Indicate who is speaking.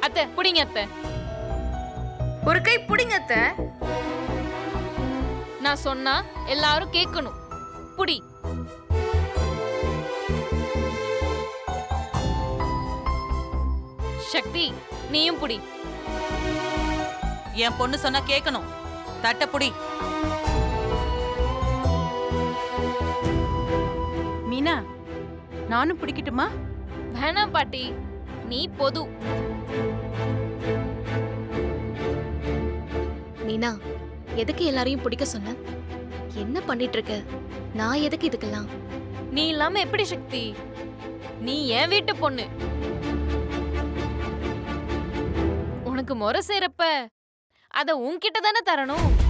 Speaker 1: அத்தை புடிங்க அத்தை.
Speaker 2: ஒரு கை புடிங்க அத்தை.
Speaker 1: நான் சொன்னா எல்லாரும் கேட்கணும். புடி. சக்தி நீயும் புடி.
Speaker 3: என் பொண்ணு சொன்னா கேட்கணும். தட்ட புடி.
Speaker 4: மீனா, நானும் பிடிக்கட்டுமா?
Speaker 1: வேணாம் பாட்டி, நீ பொது.
Speaker 5: மீனா, எதுக்கு எல்லாரையும் பிடிக்க சொன்ன? என்ன பண்ணிட்டு இருக்க? நான் எதுக்கு இதுக்கெல்லாம்?
Speaker 1: நீ இல்லாம எப்படி சக்தி? நீ என் வீட்டு பொண்ணு. உனக்கு முறை செய்யறப்ப அத உன்கிட்ட தானே தரணும்.